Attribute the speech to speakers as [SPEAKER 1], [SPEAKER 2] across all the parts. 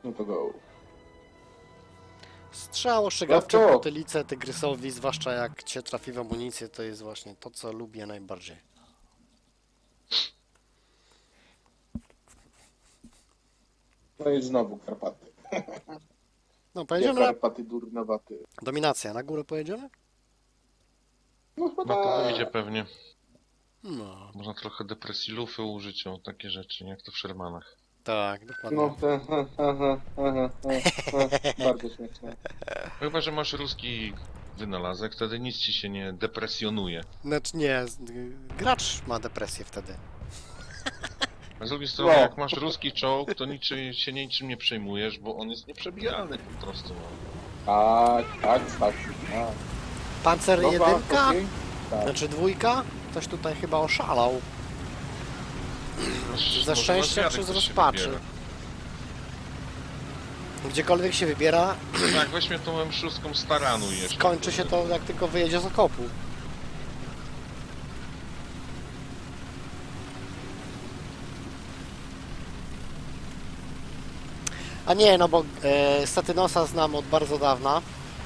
[SPEAKER 1] No to go.
[SPEAKER 2] Strzał ostrzegawczy
[SPEAKER 1] No to-
[SPEAKER 2] po tylicę tygrysowi, zwłaszcza jak cię trafi w amunicję, to jest właśnie to, co lubię najbardziej.
[SPEAKER 1] No i znowu Karpaty.
[SPEAKER 2] No,
[SPEAKER 1] Nie
[SPEAKER 2] pojedziemy na
[SPEAKER 1] Karpaty durnowaty.
[SPEAKER 2] dominację. Na górę pojedziemy?
[SPEAKER 1] No chyba
[SPEAKER 3] No to
[SPEAKER 1] tak.
[SPEAKER 3] wyjdzie pewnie.
[SPEAKER 2] No,
[SPEAKER 3] Można trochę depresji lufy użyć, o takie rzeczy, jak to w Shermanach.
[SPEAKER 2] tak, dokładnie.
[SPEAKER 1] No, bardzo śmieszne.
[SPEAKER 3] Chyba, że masz ruski wynalazek, wtedy nic ci się nie depresjonuje.
[SPEAKER 2] Znaczy nie, gracz ma depresję wtedy.
[SPEAKER 3] A z drugiej strony,
[SPEAKER 1] No.
[SPEAKER 3] jak masz ruski czołg, to się niczym nie przejmujesz, bo on jest nieprzebijalny po prostu. No.
[SPEAKER 1] Tak.
[SPEAKER 2] Pancer
[SPEAKER 1] Nowa,
[SPEAKER 2] 1,
[SPEAKER 1] okej. Tak.
[SPEAKER 2] znaczy 2, ktoś tutaj chyba oszalał. Ze
[SPEAKER 3] Może
[SPEAKER 2] szczęścia
[SPEAKER 3] na
[SPEAKER 2] czy
[SPEAKER 3] zwiadek
[SPEAKER 2] z
[SPEAKER 3] coś się
[SPEAKER 2] rozpaczy?
[SPEAKER 3] wybiera.
[SPEAKER 2] Gdziekolwiek się wybiera,
[SPEAKER 3] Tak, weźmie tą M6 staranu jeszcze.
[SPEAKER 2] skończy się to jak tylko wyjedzie z okopu. A nie, no bo Statynosa znam od bardzo dawna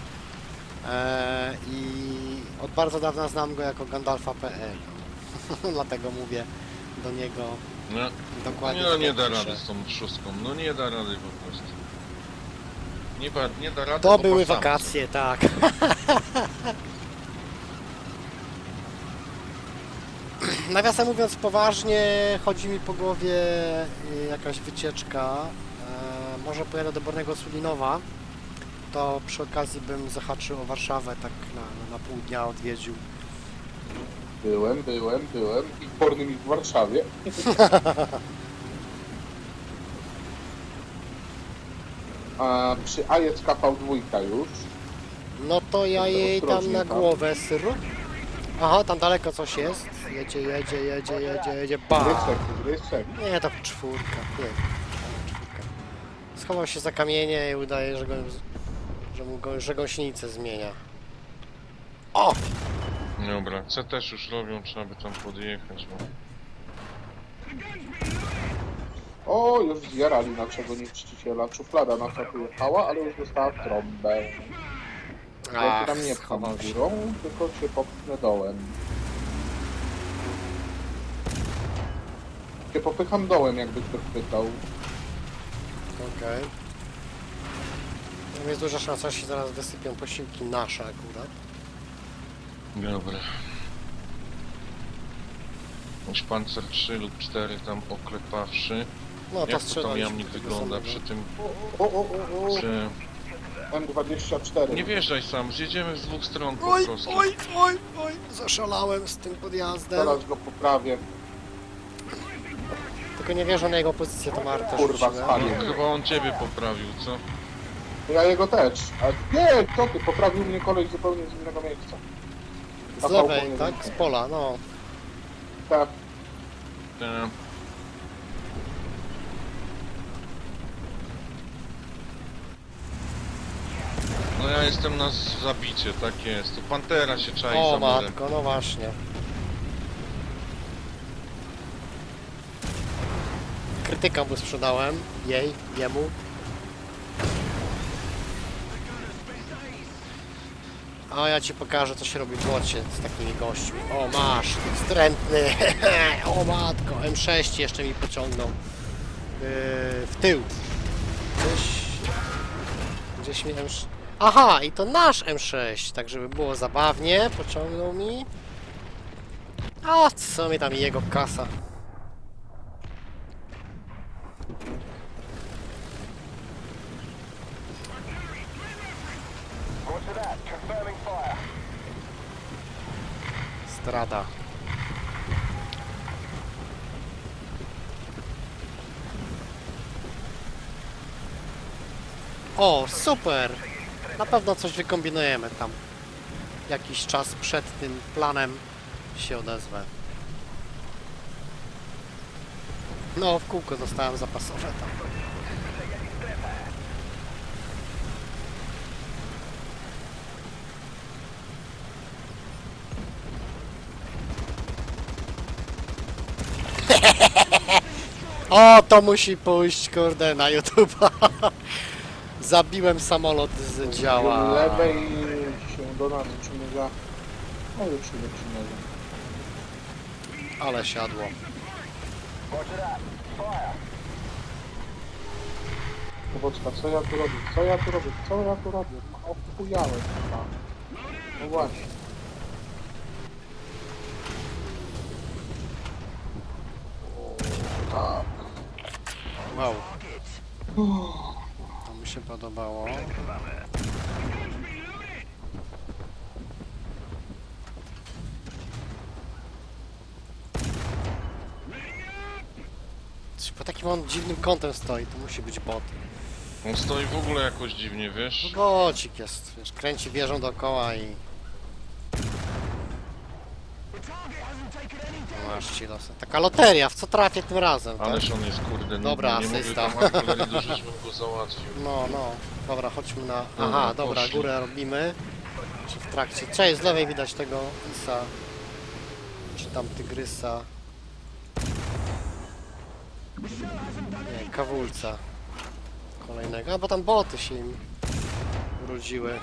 [SPEAKER 2] i od bardzo dawna znam go jako Gandalfa.pl. Dlatego mówię do niego
[SPEAKER 3] No,
[SPEAKER 2] dokładnie.
[SPEAKER 3] nie,
[SPEAKER 2] tak
[SPEAKER 3] nie
[SPEAKER 2] jak
[SPEAKER 3] da
[SPEAKER 2] piszę.
[SPEAKER 3] rady z tą szóstką, no nie da rady po prostu. Nie da rady,
[SPEAKER 2] To
[SPEAKER 3] bo
[SPEAKER 2] były
[SPEAKER 3] po sam
[SPEAKER 2] wakacje, tak. Nawiasem mówiąc poważnie, chodzi mi po głowie jakaś wycieczka. Może pojadę do Bornego Sulinowa. To przy okazji bym zahaczył o Warszawę, tak na pół dnia odwiedził.
[SPEAKER 1] Byłem i w Bornym i w Warszawie. A przy Ajec KV2 już.
[SPEAKER 2] No to ja
[SPEAKER 1] Będę
[SPEAKER 2] jej tam
[SPEAKER 1] ostrożnie
[SPEAKER 2] na
[SPEAKER 1] tam.
[SPEAKER 2] głowę syru. Aha, tam daleko coś jest. Jedzie. Ba!
[SPEAKER 1] Rysek.
[SPEAKER 2] Nie, to czwórka. Nie, czwórka. Schował się za kamienie i udaje, że gąsienicę zmienia. O!
[SPEAKER 3] Dobra, C też już robią, trzeba by tam podjechać. No.
[SPEAKER 1] O, już zjarali naszego niszczyciela. Szuflada nasza tu jechała, ale już dostała w trąbę. Ja tam nie pcham
[SPEAKER 2] schował się.
[SPEAKER 1] górą, tylko się popchnę dołem. Się popycham dołem, jakby ktoś pytał.
[SPEAKER 2] Okej. Jest duża szansa, że się zaraz wysypią posiłki nasze akurat.
[SPEAKER 3] Dobra. Jakiś Panzer 3 lub 4 tam oklepawszy.
[SPEAKER 2] No to
[SPEAKER 3] Jak to tam
[SPEAKER 2] strzelaliśmy
[SPEAKER 3] jamnik
[SPEAKER 2] tego
[SPEAKER 3] wygląda
[SPEAKER 2] samego.
[SPEAKER 3] przy tym,
[SPEAKER 1] O.
[SPEAKER 3] że...
[SPEAKER 1] M24.
[SPEAKER 3] Nie wjeżdżaj sam, zjedziemy z dwóch stron po
[SPEAKER 2] Oj,
[SPEAKER 3] prostu.
[SPEAKER 2] oj! Zaszalałem z tym podjazdem.
[SPEAKER 1] Zaraz go poprawię.
[SPEAKER 2] Tylko nie wierzę na jego pozycję, to Marta
[SPEAKER 1] Kurwa,
[SPEAKER 2] rzuciłem.
[SPEAKER 1] spalił.
[SPEAKER 3] No, chyba on ciebie poprawił, co?
[SPEAKER 1] Ja jego też. A nie, co ty? Poprawił mnie koleś zupełnie z innego miejsca.
[SPEAKER 2] Z lewej, tak? Z pola, no.
[SPEAKER 1] Tak.
[SPEAKER 3] Te... No ja jestem na zabicie, tak jest. To Pantera się czai
[SPEAKER 2] O
[SPEAKER 3] za murem.
[SPEAKER 2] matko, no właśnie. Krytyka mu sprzedałem. Jemu. A ja ci pokażę, co się robi w locie z takimi gośćmi. O, masz, ty wstrętny. O matko, M6 jeszcze mi pociągnął. W tył. Gdzieś mi M6... Aha, i to nasz M6, tak żeby było zabawnie, pociągnął mi. A co mi tam i jego kasa. Strada. O, super! Na pewno coś wykombinujemy tam. Jakiś czas przed tym planem się odezwę. No, w kółko dostałem zapasowe tam. O, to musi pójść, kurde, na YouTube'a. Zabiłem samolot z działa.
[SPEAKER 1] Z lewej się do nas przymierza. No już się nie przymierza.
[SPEAKER 2] Ale siadło.
[SPEAKER 1] Powocka, co ja tu robię? Co ja tu robię? Co ja tu robię? Ochujałem chyba. No właśnie. O, tak.
[SPEAKER 2] Wow. To mi się podobało. Coś po takim on dziwnym kątem stoi, to musi być bot.
[SPEAKER 3] On stoi w ogóle jakoś dziwnie, wiesz?
[SPEAKER 2] Bocik jest, wiesz, kręci wieżą dookoła i... Masz ci losy. Taka loteria, w co trafię tym razem, tak?
[SPEAKER 3] Ależ on jest kurde,
[SPEAKER 2] Dobra,
[SPEAKER 3] nie mogę
[SPEAKER 2] asysta.
[SPEAKER 3] tam artylerii dużo, żebym go załatwił.
[SPEAKER 2] No, no. Dobra, chodźmy na...
[SPEAKER 3] Dobra,
[SPEAKER 2] Aha, dobra,
[SPEAKER 3] poszli.
[SPEAKER 2] górę robimy. Czy w trakcie... Cześć, z lewej widać tego Isa. Czy tam tygrysa. Nie, kawulca. Kolejnego. A, bo tam boty się im urodziły.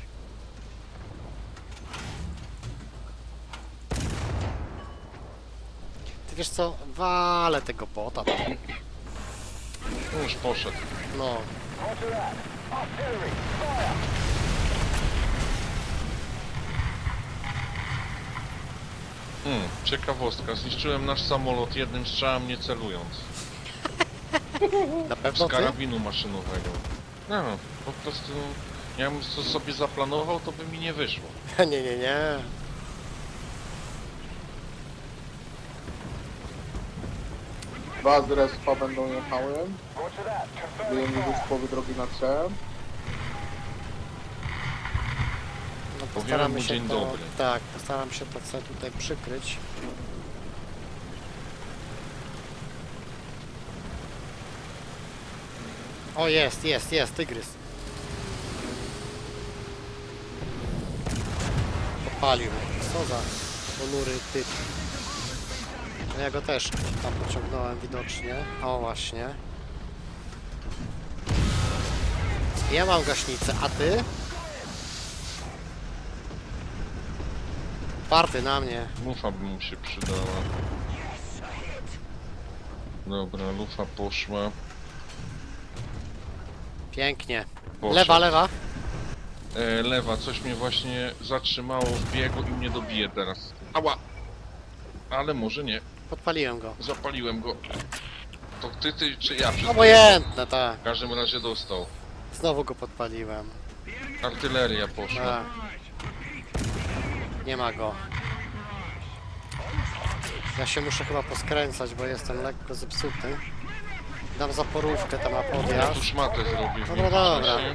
[SPEAKER 2] Ty wiesz co? Walę tego bota tam.
[SPEAKER 3] No już poszedł.
[SPEAKER 2] No.
[SPEAKER 3] Ciekawostka, zniszczyłem nasz samolot jednym strzałem nie celując.
[SPEAKER 2] Na
[SPEAKER 3] Z
[SPEAKER 2] pewno ty?
[SPEAKER 3] karabinu maszynowego. No, po prostu... Jakbym to sobie zaplanował, to by mi nie wyszło.
[SPEAKER 2] Nie, nie, nie.
[SPEAKER 1] Dwa z respa będą jechały. Wyjemnie już połowy drogi na C.
[SPEAKER 2] No,
[SPEAKER 3] Powiemy mu dzień
[SPEAKER 2] to,
[SPEAKER 3] dobry.
[SPEAKER 2] tak, postaram się to co tutaj przykryć. O, jest, tygrys. Popalił. Co za ponury typ. No ja go też tam pociągnąłem widocznie. O, właśnie. Ja mam gaśnicę, a ty? Party na mnie.
[SPEAKER 3] Lufa by mu się przydała. Dobra, lufa poszła.
[SPEAKER 2] Pięknie.
[SPEAKER 3] Poszedł.
[SPEAKER 2] Lewa, lewa.
[SPEAKER 3] Lewa, coś mnie właśnie zatrzymało w biegu i mnie dobije teraz. Ała! Ale może nie.
[SPEAKER 2] Podpaliłem go.
[SPEAKER 3] Zapaliłem go. To ty czy ja? Przez
[SPEAKER 2] Obojętne, tak.
[SPEAKER 3] W każdym razie dostał.
[SPEAKER 2] Znowu go podpaliłem.
[SPEAKER 3] Artyleria poszła.
[SPEAKER 2] Tak. Nie ma go. Ja się muszę chyba poskręcać, bo jestem lekko zepsuty. Dam zaporówkę tam na
[SPEAKER 3] Ja
[SPEAKER 2] podjazd.
[SPEAKER 3] tu szmatę zrobię w
[SPEAKER 2] Dobra, dobra.
[SPEAKER 3] międzyczasie.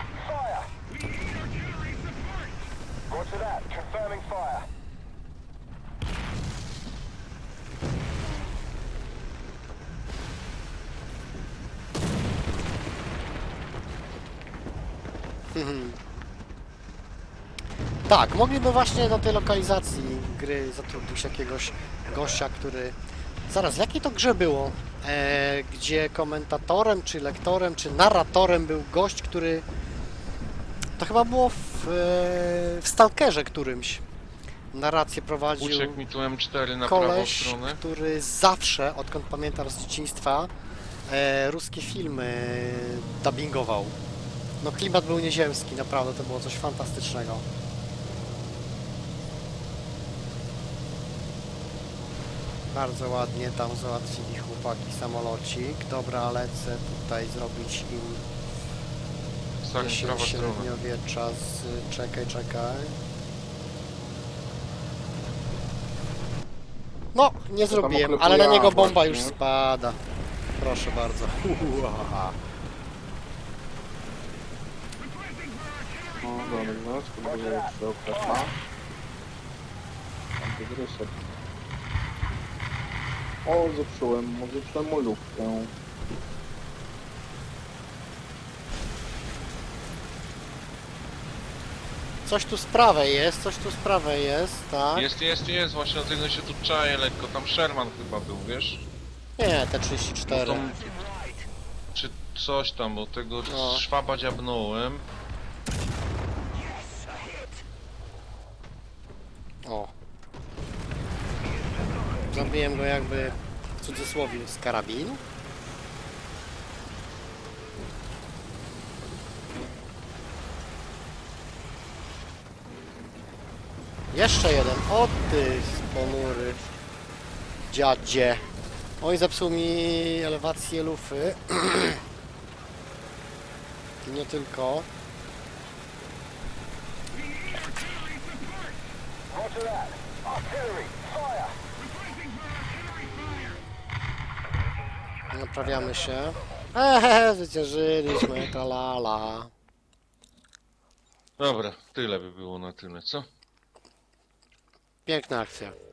[SPEAKER 2] Tak, mogliby właśnie do tej lokalizacji gry zatrudnić jakiegoś gościa, który... Zaraz, w jakiej to grze było? Gdzie komentatorem, czy lektorem, czy narratorem był gość, który... To chyba było w Stalkerze którymś. Narrację prowadził
[SPEAKER 3] Uciekł mi tu M4 na prawą
[SPEAKER 2] koleś,
[SPEAKER 3] stronę.
[SPEAKER 2] który zawsze, odkąd pamiętam z dzieciństwa, ruskie filmy dubbingował. No klimat był nieziemski, naprawdę to było coś fantastycznego. Bardzo ładnie tam załatwili chłopaki samolocik. Dobra, lecę tutaj zrobić im
[SPEAKER 3] Tak,
[SPEAKER 2] jesień
[SPEAKER 3] prawa strona.
[SPEAKER 2] średniowiecza z... Czekaj. No, nie zrobiłem, ale na niego bomba już
[SPEAKER 1] właśnie.
[SPEAKER 2] spada. Proszę bardzo.
[SPEAKER 1] No dobra, spróbuję jeszcze okrepa. Antygrysek. O, zepsułem mu lufkę.
[SPEAKER 2] Coś tu z prawej jest, tak?
[SPEAKER 3] Jest, właśnie dlatego się tu czaję lekko. Tam Sherman chyba był, wiesz?
[SPEAKER 2] Nie,
[SPEAKER 3] No
[SPEAKER 2] T34.
[SPEAKER 3] to, czy coś tam, bo tego
[SPEAKER 2] No.
[SPEAKER 3] szwaba dziabnąłem.
[SPEAKER 2] O. Zabiłem go jakby w cudzysłowie z karabinu. Jeszcze jeden. O ty ponury dziadzie. Oj, zepsuł mi elewację lufy. I nie tylko. Naprawiamy się. Zwyciężyliśmy, tralala.
[SPEAKER 3] Dobra, tyle by było na tyle, co?
[SPEAKER 2] Piękna akcja.